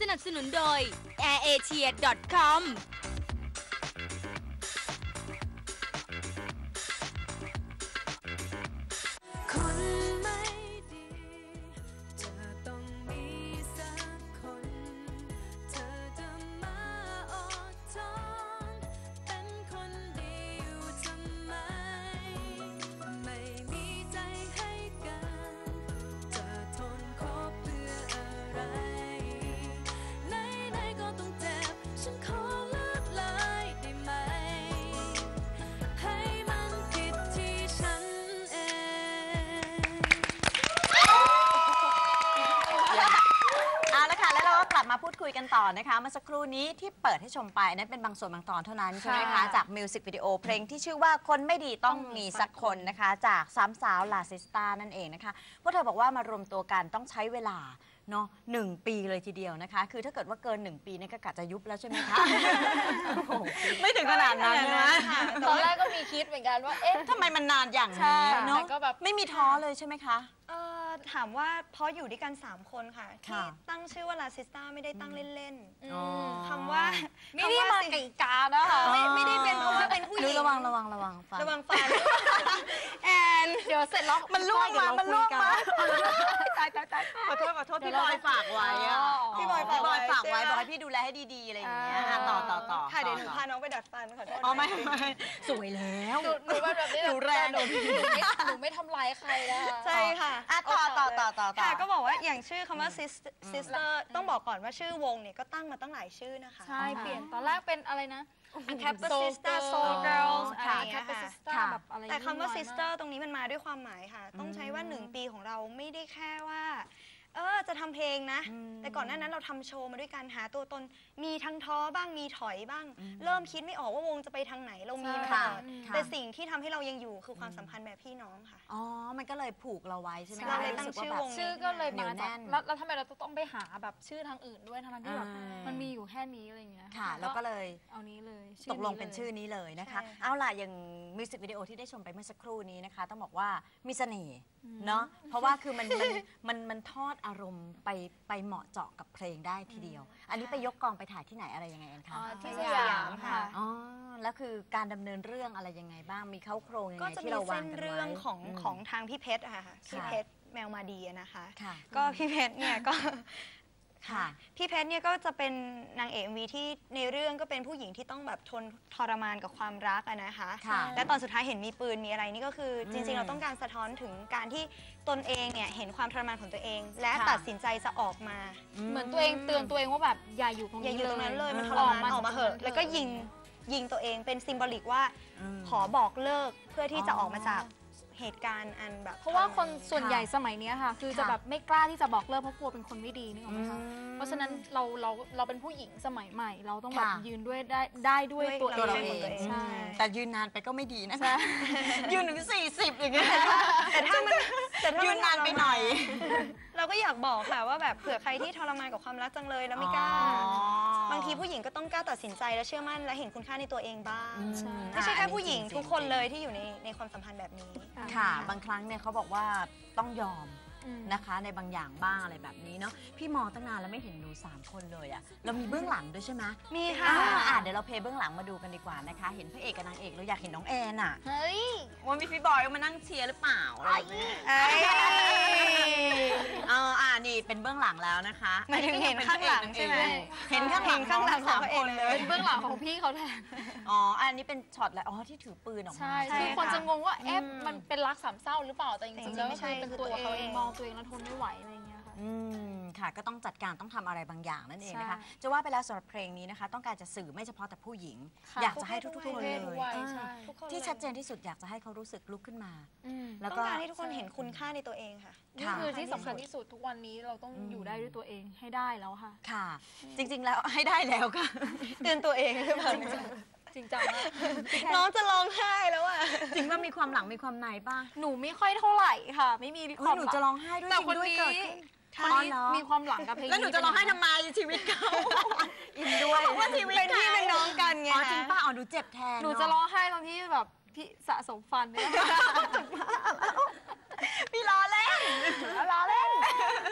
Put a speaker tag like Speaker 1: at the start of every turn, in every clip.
Speaker 1: นับสนุนโดย airasia.com
Speaker 2: มาพูดคุยกันต่อนะคะเมื่อสักครู่นี้ที่เปิดให้ชมไปนั้นเป็นบางส่วนบางตอนเท่านั้นใช่ไหมคะจากมิวสิกวิดีโอเพลงที่ชื่อว่าคนไม่ดีต้องมีสักคนนะคะจากสามสาวลาซิสตานั่นเองนะคะพวกเธอบอกว่ามารวมตัวกันต้องใช้เวลาเนาะ1 ปีเลยทีเดียวนะคะคือถ้าเกิดว่าเกิน1 ปีนี่ก็กะจะยุบแล้วใช่ไหมคะ ไม่ถึงขนาดนั้นนะ
Speaker 3: ตอนแรกก็มีคิดเหมือนกันว่าเอ๊ะ
Speaker 2: ทำไมมันนานอย่างนี้เนาะไม่มีท้อเลยใช่ไหมคะ
Speaker 4: ถามว่าเพราะอยู่ด้วยกัน3 คนค่ะที่ตั้งชื่อว่าลาซิสตาไม่ได้ตั้งเล่นๆคำว่า
Speaker 3: ไม่ได้มาไก่กานะคะ
Speaker 4: ไม่ได้เป็นเพราะว่าเป็นผู้หญิง
Speaker 2: ระวังฟัน
Speaker 4: แอน
Speaker 3: เดี๋ยวเสร็จแล้ว
Speaker 2: มันล่วงมาตายขอโทษพี่บอยฝากไว้
Speaker 4: พี่บอย
Speaker 2: ฝากไว้บอกให้พี่ดูแลให้ดีๆอะไรอย่างเงี้ยต่อ
Speaker 4: ค่ะเดี๋ยวหนูพาน้องไปดัดฟันขอโทษ
Speaker 2: ไม่สวยแล้ว
Speaker 3: หนูแบบนี้
Speaker 2: หนูแรง
Speaker 3: หนูไม่ทำร้ายใครนะคะ
Speaker 4: ใช่ค่ะ
Speaker 2: ต่อ
Speaker 4: ค่ะก็บอกว่าอย่างชื่อคำว่า sister ต้องบอกก่อนว่าชื่อวงเนี่ยก็ตั้งมาตั้งหลายชื่อนะคะ
Speaker 3: ใช่เปลี่ยนตอนแรกเป็นอะไรนะ
Speaker 4: Kappa Sister Soul Girls อะไรอย่างเงี้ยค่ะ
Speaker 3: แบบอะไร
Speaker 4: แต่คำว่า sister ตรงนี้มันมาด้วยความหมายค่ะต้องใช้ว่า1 ปีของเราไม่ได้แค่ว่าจะทำเพลงนะแต่ก่อนหน้านั้นเราทำโชว์มาด้วยการหาตัวตนมีทั้งท้อบ้างมีถอยบ้างเริ่มคิดไม่ออกว่าวงจะไปทางไหนเรามีมาตลอดแต่สิ่งที่ทำให้เรายังอยู่คือความสัมพันธ์แบบพี่น้องค่ะ
Speaker 2: อ๋อมันก็เลยผูกเราไว้ใช่ไหม
Speaker 4: เราเลยตั้งชื่อวง
Speaker 3: ชื่อก็เลยมาจากแล้วทำไมเราต้องไปหาแบบชื่อทางอื่นด้วยทั้งที่แบบมันมีอยู่แค่นี้อะไรเงี้ย
Speaker 2: ค่ะแล้วก็เลย
Speaker 3: เอานี้เลย
Speaker 2: ตกลงเป็นชื่อนี้เลยนะคะเอาล่ะอย่างมิวสิกวิดีโอที่ได้ชมไปเมื่อสักครู่นี้นะคะต้องบอกว่ามีเสน่ห์เนาะเพราะว่าคือมันทอดอารมณ์ไปเหมาะเจาะกับเพลงได้ทีเดียวอันนี้ไปยกกองไปถ่ายที่ไหนอะไรยังไงกันคะ
Speaker 3: ที่สยามค่ะ
Speaker 2: อ๋อแล้วคือการดำเนินเรื่องอะไรยังไงบ้างมีเข้าโครงยังไงที่เราวางกันไว้ก็จะมีเส้น
Speaker 4: เรื่องของทางพี่เพชรค่ะพี่เพชรแมวมาดีนะคะก็พี่เพชรเนี่ยก็พี่เพชรเนี่ยก็จะเป็นนางเอก MV ที่ในเรื่องก็เป็นผู้หญิงที่ต้องแบบทนทรมานกับความรักนะคะและตอนสุดท้ายเห็นมีปืนมีอะไรนี่ก็คือจริงๆเราต้องการสะท้อนถึงการที่ตนเองเนี่ยเห็นความทรมานของตัวเองและตัดสินใจจะออกมา
Speaker 3: เหมือนตัวเองเตือนตัวเองว่าแบบอย่าอยู่ตรง
Speaker 4: นั้นเลยมันทรมานออกมาเหอะแล้วก็ยิงตัวเองเป็นซิมโบลิกว่าขอบอกเลิกเพื่อที่จะออกมาจากเหตุการณ์อันแบบ
Speaker 3: เพราะว่าคนส่วนใหญ่สมัยนี้ค่ะคือจะแบบไม่กล้าที่จะบอกเลิกเพราะกลัวเป็นคนไม่ดีนึกออกไหมคะเพราะฉะนั้นเราเป็นผู้หญิงสมัยใหม่เราต้องแบบยืนด้วยได้ด้วยตัวเอง
Speaker 2: ใช่แต่ยืนนานไปก็ไม่ดีนะคะยืนถึง40อย่างเงี้ย
Speaker 4: แต่ถ้า
Speaker 2: ยืนนานไปหน่อย
Speaker 4: เราก็อยากบอกค่ะว่าแบบเผื่อใครที่ทรมานกับความรักจังเลยแล้วไม่กล้าบางทีผู้หญิงก็ต้องกล้าตัดสินใจและเชื่อมั่นและเห็นคุณค่าในตัวเองบ้างไม่ใช่แค่ผู้หญิงทุกคนเลยที่อยู่ในความสัมพันธ์แบบนี้
Speaker 2: ค่ะบางครั้งเนี่ยเขาบอกว่าต้องยอมนะคะในบางอย่างบ้างอะไรแบบนี้เนาะพี่มองตั้งนานแล้วไม่เห็นหนู3 คนเลยอะเรามีเบื้องหลังด้วยใช่ไหม
Speaker 4: มีค่ะ
Speaker 2: เดี๋ยวเราเพลย์เบื้องหลังมาดูกันดีกว่านะคะเห็นพระเอกกับนางเอกเราอยากเห็นน้องแอนอะ
Speaker 3: เฮ้ย
Speaker 2: ว่ามีพี่บอยมานั่งเชียร์หรือเปล่าอะไรนี่เป็นเบื้องหลังแล้วนะคะ
Speaker 4: ไม่ถึงเห็นข้างหลังใช่ไหม
Speaker 2: เห็นข้างหลัง3 คนเลย
Speaker 3: เบื้องหลังของพี่เขาแทน
Speaker 2: อันนี้เป็นช็อตแหละที่ถือปืนออกมา
Speaker 3: ใช่คือคนจะงงว่ามันเป็นรัก3 เศร้าหรือเปล่าแต่จริงๆแล้วไม่ใช่เป็นตัวเองมองตัวเองแล้วทนไม่ไหวอะไรเงี้ยค่ะ
Speaker 2: ค่ะก็ต้องจัดการต้องทำอะไรบางอย่างนั่นเองนะคะจะว่าไปแล้วสำหรับเพลงนี้นะคะต้องการจะสื่อไม่เฉพาะแต่ผู้หญิงอยากจะให้ทุกคนเลยที่ชัดเจนที่สุดอยากจะให้เขารู้สึกลุกขึ้นมา
Speaker 4: แล้วก็ต้องการให้ทุกคนเห็นคุณค่าในตัวเองค่ะ
Speaker 3: นี่คือที่สำคัญที่สุดทุกวันนี้เราต้องอยู่ได้ด้วยตัวเองให้ได้แล้วค่ะ
Speaker 2: ค่ะจริงๆแล้วให้ได้แล้วค่ะ
Speaker 4: เตือนตัวเองหรือเปล่า
Speaker 3: จริงจัง
Speaker 4: น้องจะร้องไห้แล้วอะ
Speaker 2: จริงว่ามีความหลังมีความในป่ะ
Speaker 3: หนูไม่ค่อยเท่าไหร่ค่ะไม่มีความ
Speaker 2: หนูจะร้องไห้ด้วย
Speaker 3: แต่คนนี้มีความหลังกับเพลง
Speaker 2: แล้วหนูจะร้องไห้ทำไมชีวิตเขาอินด้วย
Speaker 4: ว่าชีวิตเป็นพี่เป็นน้องกันไง
Speaker 2: จริงป้าหนูเจ็บแทน
Speaker 3: หนูจะร้องไห้ตอนที่แบบพี่สะสมฟันเนี่ย
Speaker 2: พี่ล้อเล่น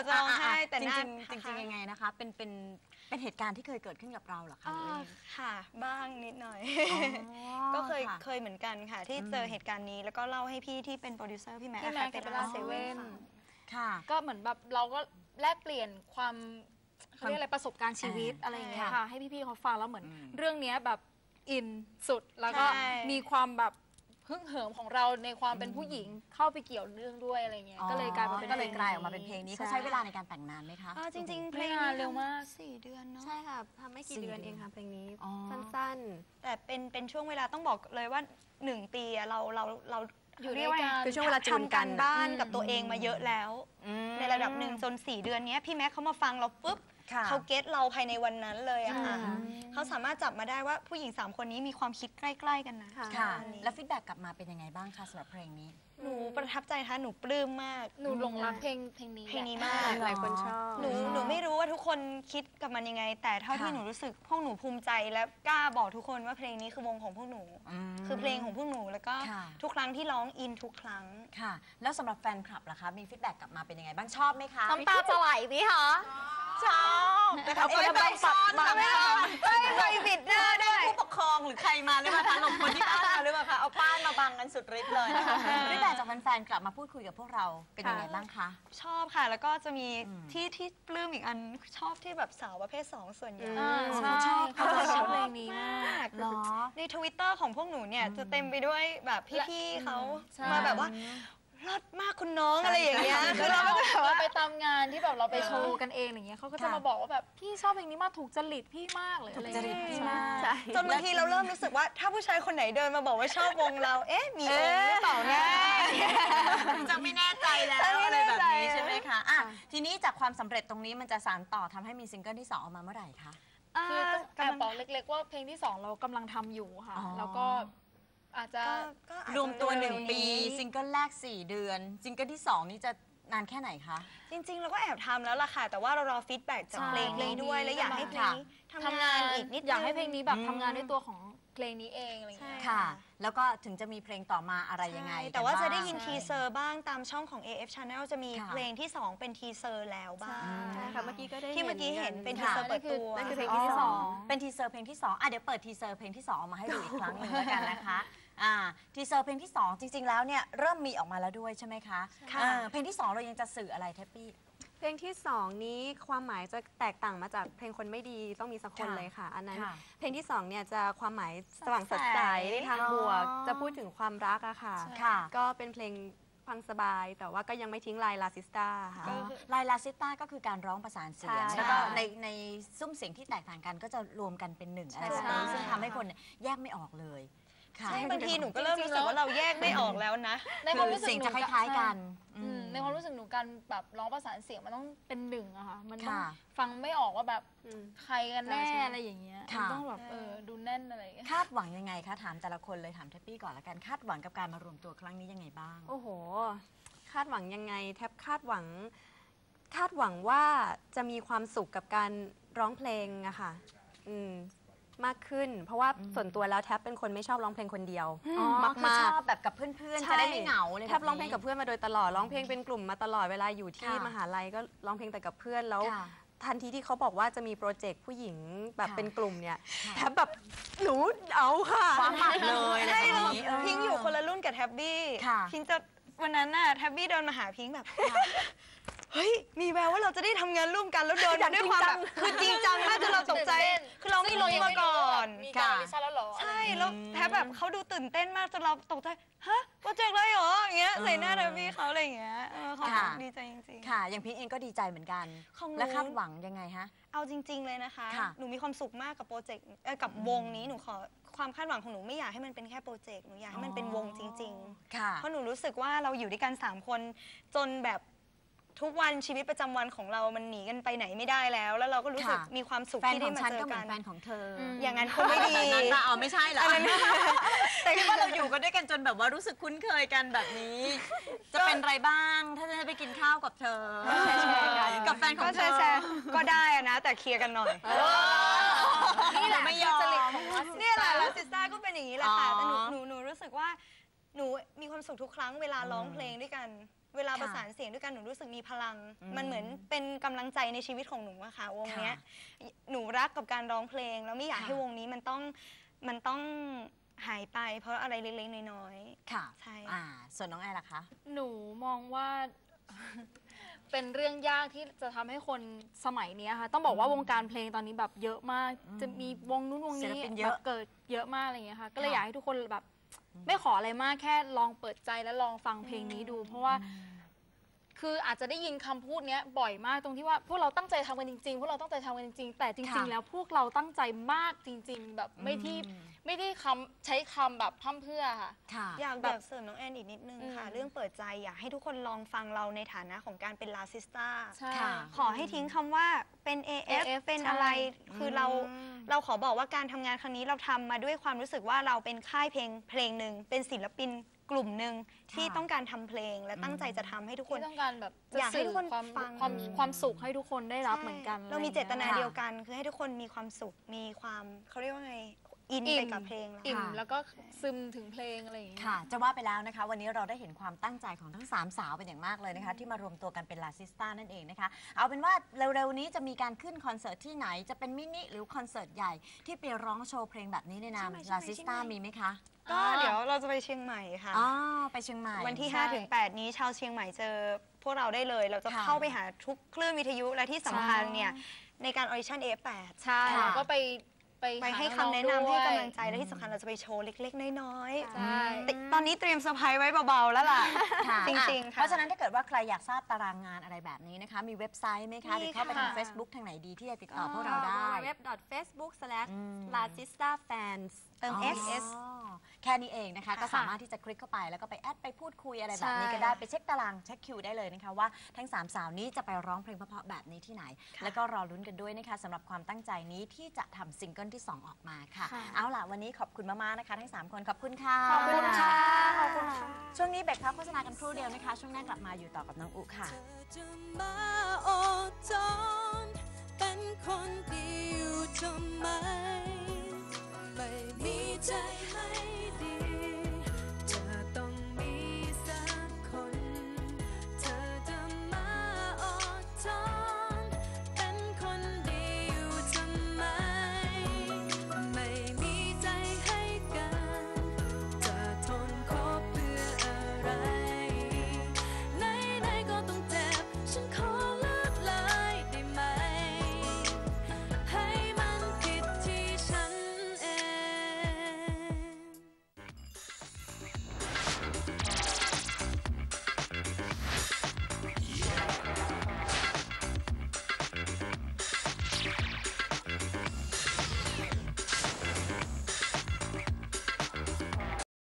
Speaker 4: จะร้องไห้แต่
Speaker 2: จ
Speaker 4: หน้า
Speaker 2: ริงๆยังไงนะคะเป็นเหตุการณ์ที่เคยเกิดขึ้นกับเราเหรอคะ
Speaker 4: ค่ะบ้างนิดหน่อย
Speaker 2: ก็
Speaker 4: ก็เคยเหมือนกันค่ะ ที่เจอเหตุการณ์นี้แล้วก็เล่าให้พี่ที่เป็นโปรดิวเซอร์พี่แม็ก
Speaker 3: พี่แม็ก
Speaker 4: เป็น
Speaker 3: เปล่าเซ
Speaker 4: เซ
Speaker 3: เว่
Speaker 4: เว่
Speaker 3: น
Speaker 4: น
Speaker 2: ค่ะ
Speaker 3: ก็เหมือนแบบเราก็แลกเปลี่ยนความเขาเรียกอะไรประสบการณ์ชีวิตอะไรอย่างเงี้ยค่ะให้พี่ๆเขาฟังแล้วเหมือนเรื่องเนี้ยแบบอินสุดแล้วก็
Speaker 4: ใช่
Speaker 3: มีความแบบฮึ่งเหิมของเราในความเป็นผู้หญิงเข้าไปเกี่ยวเรื่องด้วยอะไรเงี้ยก็เลยกลายมาเป็น
Speaker 2: ก็เลยกลายออกมาเป็นเพลงนี้เขาใช้เวลาในการแต่งนานไหมคะ
Speaker 4: จริงๆเพล
Speaker 3: ไม่
Speaker 4: ง
Speaker 3: นานเร็วมาก
Speaker 4: 4 เดือนเนาะ
Speaker 5: ใช่ค่ะทำไม่กี่
Speaker 2: 4
Speaker 5: เดือนเองค่ะเพลงนี้
Speaker 2: อ๋อ
Speaker 5: สั้น
Speaker 4: แต่เป็นช่วงเวลาต้องบอกเลยว่า1 ปีอะเรา
Speaker 3: อยู่ด้วยกัน
Speaker 5: คือช่วงเวลาจูน
Speaker 4: ทำ
Speaker 5: กั
Speaker 4: กัน นบ้านกับตัวเองมาเยอะแล้ว
Speaker 2: อืม
Speaker 4: ในระดับหนึ่งจน4 เดือนเนี้ยพี่แม็กเขามาฟังเราปุ๊บ
Speaker 2: ค่ะ
Speaker 4: เขาเก็ตเราภายในวันนั้นเลยอะค่ะ
Speaker 5: ใช่ค่ะ
Speaker 4: เขาสามารถจับมาได้ว่าผู้หญิง3 คนนี้มีความคิดใกล้ๆกันนะ
Speaker 5: ค่ะ
Speaker 2: ค่ะ
Speaker 4: อันนี้
Speaker 2: แล้วฟีดแบ็กกลับมาเป็นยังไงบ้างคะสำหรับเพลงนี้
Speaker 4: หนูประทับใจค่ะหนูปลื้มมาก
Speaker 3: หนูหลงรักเพลงนี้
Speaker 4: เพลงนี้
Speaker 3: แหละ
Speaker 4: มาก
Speaker 5: หลายคนชอบ
Speaker 4: หนูไม่รู้ว่าทุกคนคิดกับมันยังไง แต่เท่าที่
Speaker 2: ค่ะ
Speaker 4: หนูรู้สึกพวกหนูภูมิใจและกล้าบอกทุกคนว่าเพลงนี้คือวงของพวกหนู คือเพลงของพวกหนูแล้วก็
Speaker 2: ค่ะ
Speaker 4: ทุกครั้งที่ร้องอินทุกครั้ง
Speaker 2: ค่ะ แล้วสำหรับแฟนคลับล่ะคะ มีฟีดแบ็กกลับมาเป็นยังไงบ้างชอบไหมคะ
Speaker 5: น้ำตาจะไหลไหมคะ
Speaker 2: ชอบแต่เขาไม่ต้องปัดมาไม่ได้
Speaker 4: ไม่บิดหน้าด้วย
Speaker 2: ผู้ปกครองหรือใครมาหรือเปล่าคะลงคนที่บ้านมาหรือเปล่าคะเอาป้ายมาบังกันสุดฤทธิ์เลยนะคะฟีดแบ็กจากแฟนๆกลับมาพูดคุยกับพวกเราเป็นยังไงบ้างคะ
Speaker 4: ชอบค่ะ แล้วก็จะมี
Speaker 2: อืม
Speaker 4: ที่ปลื้มอีกอันชอบที่แบบสาวประเภท 2 ส่วนใหญ่
Speaker 3: ใช่เขาจะชอบเพลงนี้มาก
Speaker 2: หรอ
Speaker 4: ในทวิตเตอร์ของพวกหนูเนี่ยจะเต็มไปด้วยแบบพี่ๆเขา
Speaker 3: ใช่
Speaker 4: มาแบบว่าเลิศมากคุณน้องอะไรอย่างเงี้ยคือเราก็จะแบบ
Speaker 3: เรา
Speaker 4: ว่า
Speaker 3: ไปตามงานที่แบบเราไปโชว์กันเองอย่างเงี้ยเขาก็จะมาบอกว่าแบบพี่ชอบเพลงนี้มากถูกจริตพี่มากเลยอะไร
Speaker 2: จริตพี่มาก
Speaker 5: ใช่
Speaker 4: จนบางทีเราเริ่มรู้สึกว่าถ้าผู้ชายคนไหนเดินมาบอกว่าชอบวงเรา เอ๊ะ มีองค์หรือเปล่านะ
Speaker 2: จะไม่แน่ใจแล้ว
Speaker 4: ไม่
Speaker 2: อะไร
Speaker 4: แน่
Speaker 2: แบบ
Speaker 4: ใจ
Speaker 2: นี้ใช่ไหมคะอ่ะทีนี้จากความสำเร็จตรงนี้มันจะสานต่อทำให้มีซิงเกิลที่ 2 ออกมาเมื่อไหร่คะ
Speaker 3: คือต้องแอบบอกเล็กๆว่าเพลงที่ 2 เรากำลังทำอยู่ค่ะ
Speaker 2: อ๋อ
Speaker 3: แล้วก็อาจจะ
Speaker 4: ก็อาจจะ
Speaker 2: รวมตัว
Speaker 4: เร็ๆ
Speaker 2: 1 ปี ซิงเกิลแรก 4 เดือน ซิงเกิลที่ 2 นี้จะนานแค่ไหนคะ
Speaker 4: จริง ๆ เราก็แอบทำแล้วล่ะค่ะ แต่ว่าเรารอฟีดแบ็กจาก
Speaker 3: ใช่
Speaker 4: เพลงนี้ด้วย และอยากให้เพลงนี้ทำงานอีกนิดนึง
Speaker 3: อยากให้เพลงนี้แบบทำงานด้วยตัวของเพลงนี้เองอะไรอย่างเงี้ย
Speaker 4: ใช่
Speaker 2: ค่ะ แล้วก็ถึงจะมีเพลงต่อมาอะไรยังไง
Speaker 4: ใช่แต่ว่าจะได้ยิน
Speaker 2: กั
Speaker 4: ทีเซอร์บ้างตามช่องของ AF Channel จะมี
Speaker 2: ค่ะ
Speaker 4: เพลงที่ 2 เป็นทีเซอร์แล้วบ้าง
Speaker 5: ใช่ค่ะเมื่อกี้ก็ได้
Speaker 4: ที่เมื่อกี้เห็นเป็นที
Speaker 2: ค่ะ
Speaker 4: เซอร์เปิดตัว
Speaker 5: นั่นคือเพลง
Speaker 2: อ๋อ
Speaker 5: ที่สอง
Speaker 2: เป็นทีเซอร์เพลงที่ 2อ่ะเดี๋ยวเปิดทีเซอร์เพลงที่ 2 ออกมาให้ดูอีกครั้งหนึ่งแล้วกันนะคะทีเซอร์เพลงที่ 2 จริง ๆ แล้วเนี่ยเริ่มมีออกมาแล้วด้วยใช่ไหมคะ
Speaker 4: ค่ะ
Speaker 2: เพลงที่ 2 เรายังจะสื่ออะไรแทปปี้
Speaker 5: เพลงที่สองนี้ความหมายจะแตกต่างมาจากเพลงคนไม่ดีต้องมีสักคน
Speaker 2: ค่ะ
Speaker 5: เลยค่ะ อันนั้น
Speaker 2: ค่ะ
Speaker 5: เพลงที่สองเนี่ยจะความหมายสว่างสดใสในทางบวก จะพูดถึงความรักอะค่ะ
Speaker 2: ค่ะ
Speaker 5: ก็เป็นเพลงฟังสบาย แต่ว่าก็ยังไม่ทิ้งลายลาซิสตาค่ะ
Speaker 2: ลายลาซิต้าก็คือการร้องประสานเสียง
Speaker 5: ใช่
Speaker 2: แล้วก็ในซุ้มเสียงที่แตกต่างกันก็จะรวมกันเป็นหนึ่งอะไรแบบนี้
Speaker 5: ใช่
Speaker 2: ซึ่งทำให้คนเนี่ยแยกไม่ออกเลยค่ะ
Speaker 4: ใช่บางทีหนูก็เริ่มรู้สึกว่าเราแยกไม่ออกแล้วนะ
Speaker 3: ในความรู้สึก
Speaker 2: เสียง
Speaker 3: หนู
Speaker 2: จะคล้ายๆกัน
Speaker 3: อืมในความรู้สึกหนูการแบบร้องประสานเสียงมันต้องเป็นหนึ่งอะค่ะ มันต้อง
Speaker 2: ค่ะ
Speaker 3: ฟังไม่ออกว่าแบบ
Speaker 5: อืม
Speaker 3: ใครกันแน่
Speaker 5: ใช่
Speaker 3: อะไรอย่างเงี้ย
Speaker 2: ค่ะ
Speaker 3: มันต้องแบบดูแน่นอะไรอย่างเงี้ย
Speaker 2: คาดหวังยังไงคะถามแต่ละคนเลยถามแทปปี้ก่อนละกันคาดหวังกับการมารวมตัวครั้งนี้ยังไงบ้าง
Speaker 5: โอ้โห คาดหวังยังไงแทบคาดหวังว่าจะมีความสุขกับการร้องเพลงอะค่ะมากขึ้น เพราะว่าส่วนตัวแล้วแทบเป็นคนไม่ชอบร้องเพลงคนเดียว
Speaker 2: อ๋อ
Speaker 5: มาก
Speaker 2: คือ
Speaker 5: ๆ
Speaker 2: ชอบแบบกับเพื่อนๆ
Speaker 5: ใช่
Speaker 2: จะได้ไม่เหงาเลย
Speaker 5: แทบร้องเพลงกับเพื่อนมาโดยตลอดร้องเพลงเป็นกลุ่มมาตลอดเวลาอยู่ที่
Speaker 2: ค่ะ
Speaker 5: มหาลัยก็ร้องเพลงแต่กับเพื่อนแล้ว
Speaker 2: ค่ะ
Speaker 5: ทันทีที่เขาบอกว่าจะมีโปรเจกต์ผู้หญิงแบบ
Speaker 2: ค่ะ
Speaker 5: เป็นกลุ่มเนี่ย
Speaker 2: ค่ะ
Speaker 5: แทบแบบหนูเอาค่ะ
Speaker 2: ความหมัดเลยอะไร
Speaker 4: ใช่
Speaker 2: แบบ
Speaker 4: เรา
Speaker 2: นี้
Speaker 4: พิงค์อยู่คนละรุ่นกับแท็บบี้
Speaker 2: ค่ะ
Speaker 4: พิงค์จะวันนั้นน่ะแท็บบี้เดินมาหาพิงค์แบบ เฮ้ย มีแววว่าเราจะได้ทำงานร่วมกันแล้วเดินมาด้วยความแบบคือจริงจังมากจนเราตกใจ
Speaker 3: ตื่นเต้น
Speaker 4: คือเราไม่รู้มาก่อน
Speaker 3: มีการลิซ่าแล้วเหรอ
Speaker 4: ใช่แล้วแทบแบบเขาดูตื่นเต้นมากจนเราตกใจฮะโปรเจกต์อะไรเหรออย่างเงี้ยใส่หน้าแท็บบี้เขาอะไรอย่างเงี้ยเขา
Speaker 2: ค่ะ
Speaker 4: ดีใจจริง
Speaker 2: ค่ะ อย่างพิงเองก็ดีใจเหมือนกัน
Speaker 4: ของหนู
Speaker 2: และคาดหวังยังไงฮะ
Speaker 4: ๆ เอาจริง ๆเลยนะคะ
Speaker 2: ค่ะ
Speaker 4: หนูมีความสุขมากกับโปรเจกต์กับวงนี้หนูขอความคาดหวังของหนูไม่อยากให้มันเป็นแค่โปรเจกต์หนูอยากให้มันเป็นวงจริง ๆ
Speaker 2: ค่ะ
Speaker 4: เพราะหนูรู้สึกว่าเราอยู่ด้วยกัน 3 คนจนแบบทุกวันชีวิตประจำวันของเรามันหนีกันไปไหนไม่ได้แล้ว แล้วเราก็รู้สึก
Speaker 2: ค่ะ
Speaker 4: มีความสุข
Speaker 2: แฟน
Speaker 4: ที่
Speaker 2: ข
Speaker 4: ได้
Speaker 2: อง
Speaker 4: มา
Speaker 2: ฉัน
Speaker 4: เจ
Speaker 2: ก็
Speaker 4: อ
Speaker 2: เหมื
Speaker 4: กั
Speaker 2: อน นแฟนของเธอ
Speaker 4: อย่างนั้นคงไม่ดี
Speaker 2: แบบนั้นปะเอาไม่ใช่เหรอแต่คิดว่าเราอยู่กันด้วยกันจนแบบว่ารู้สึกคุ้นเคยกันแบบนี้ จะเป็นไรบ้างถ้าจะไปกินข้าวกับเธอกับแฟนของ
Speaker 4: ก็
Speaker 2: เธอ
Speaker 4: แชร์ๆก็ได้อะนะ แต่เคลียร์กันหน่อย
Speaker 2: นี่แหละไม่ยอม
Speaker 4: เนี่ยแหละแล้วซิสต้าก็เป็นอย่างนี้แหละค่ะแต่หนูรู้สึกว่าหนูมีความสุขทุกครั้งเวลาร้องเพลงด้วยกัน เวลาประสานเสียงด้วยกันหนูรู้สึกมีพลัง มันเหมือนเป็นกำลังใจในชีวิตของหนูอะค่ะวงเนี้ยหนูรักกับการร้องเพลงแล้วไม่อยากให้วงนี้มันต้องหายไปเพราะอะไรเล็กๆน้อยๆ
Speaker 2: ค่ะ
Speaker 4: ใช่
Speaker 2: ส่วนน้องแอร์ล่ะคะ
Speaker 3: หนูมองว่า เป็นเรื่องยากที่จะทำให้คนสมัยนี้ค่ะต้องบอกว่าวงการเพลงตอนนี้แบบเยอะมากจะมีวงนู้นวงนี้แบบเกิดเยอะมากอะไรอย่างเงี้ยค่ะก็เลยอยากให้ทุกคนแบบไม่ขออะไรมากแค่ลองเปิดใจและลองฟังเพลงนี้ดูเพราะว่าคืออาจจะได้ยินคำพูดนี้บ่อยมากตรงที่ว่าพวกเราตั้งใจทำกันจริงๆพวกเราตั้งใจทำกันจริงๆแต่จริงๆแล้วพวกเราตั้งใจมากจริงๆแบบไม่ได้ใช้คำแบบพร่ำเพรื่อค่ะ
Speaker 4: อยากแบบเสริมน้องแอนอีกนิดนึงค่ะเรื่องเปิดใจอยากให้ทุกคนลองฟังเราในฐานะของการเป็นลาซิสต้าขอให้ทิ้งคำว่าเป็น AF เป็นอะไรคือเราขอบอกว่าการทำงานครั้งนี้เราทำมาด้วยความรู้สึกว่าเราเป็นค่ายเพลงหนึ่งเป็นศิลปินกลุ่มหนึ่งที่ต้องการทำเพลงและตั้งใจจะทำให้ทุกคน
Speaker 3: ต้องการแบบ
Speaker 4: อยากให้ทุกคนฟัง
Speaker 3: ความสุขให้ทุกคนได้รับเหมือนกัน
Speaker 4: เรามีเจตนาเดียวกันคือให้ทุกคนมีความสุขมีความเขาเรียกว่าไงอินไปกับเพลง
Speaker 3: แล้วก็ซึมถึงเพลงอะไรอย่างเงี้ย
Speaker 2: ค่ะจะว่าไปแล้วนะคะวันนี้เราได้เห็นความตั้งใจของทั้ง3สาวเป็นอย่างมากเลยนะคะที่มารวมตัวกันเป็นลาซิสต้านั่นเองนะคะเอาเป็นว่าเร็วๆนี้จะมีการขึ้นคอนเสิร์ตที่ไหนจะเป็นมินิหรือคอนเสิร์ตใหญ่ที่ไปร้องโชว์เพลงแบบนี้ในนามลาซิสต้ามีไหมคะ
Speaker 4: ก็เดี๋ยวเราจะไปเชียงใหม่ค่ะ
Speaker 2: ไปเชียงใหม่
Speaker 4: วันที่ 5-8 นี้ชาวเชียงใหม่เจอพวกเราได้เลยเราจะเข้าไปหาทุกคลื่นวิทยุและที่สำคัญเนี่ยในการออดิชั่น F8
Speaker 3: ใช่เราก็ไป
Speaker 4: ให้คำแนะนำให้กำลังใจและที่สำคัญเราจะไปโชว์เล็กๆน้อยๆตอนนี้เตรียมเซอร์ไพรส์ไว้เบาๆแล้วล่ะจริงๆ
Speaker 2: เพราะฉะนั้นถ้าเกิดว่าใครอยากทราบตารางงานอะไรแบบนี้นะคะมีเว็บไซต์ไหมคะหรือเข้าไปทาง Facebook ทางไหนดีที่จะติดต่อพวกเราได้
Speaker 5: www.facebook/lasistafans
Speaker 4: เติม SS
Speaker 2: แค่นี้เองนะคะก็สามารถที่จะคลิกเข้าไปแล้วก็ไปแอดไปพูดคุยอะไรแบบนี้ก็ได้ไปเช็คตารางเช็คคิวได้เลยนะคะว่าทั้ง3สาวนี้จะไปร้องเพลงเพราะๆแบบนี้ที่ไหนแล้วก็รอลุ้นกันด้วยนะคะสำหรับความตั้งใจนี้ที่จะทำซิงเกิลที่2ออกมาค่ะเอาล่ะวันนี้ขอบคุณมากๆนะคะทั้ง3คนขอบคุณค่ะ
Speaker 3: ขอบคุณค่ะขอบคุณค่ะ
Speaker 2: ช่วงนี้เบรกพักโฆษณากันครู่เดียวนะคะช่วงหน้ากลับมาอยู่ต่อกับน้องอุค่ะ
Speaker 6: เป็นคนดีอยู่ทำไมไม่มีใจ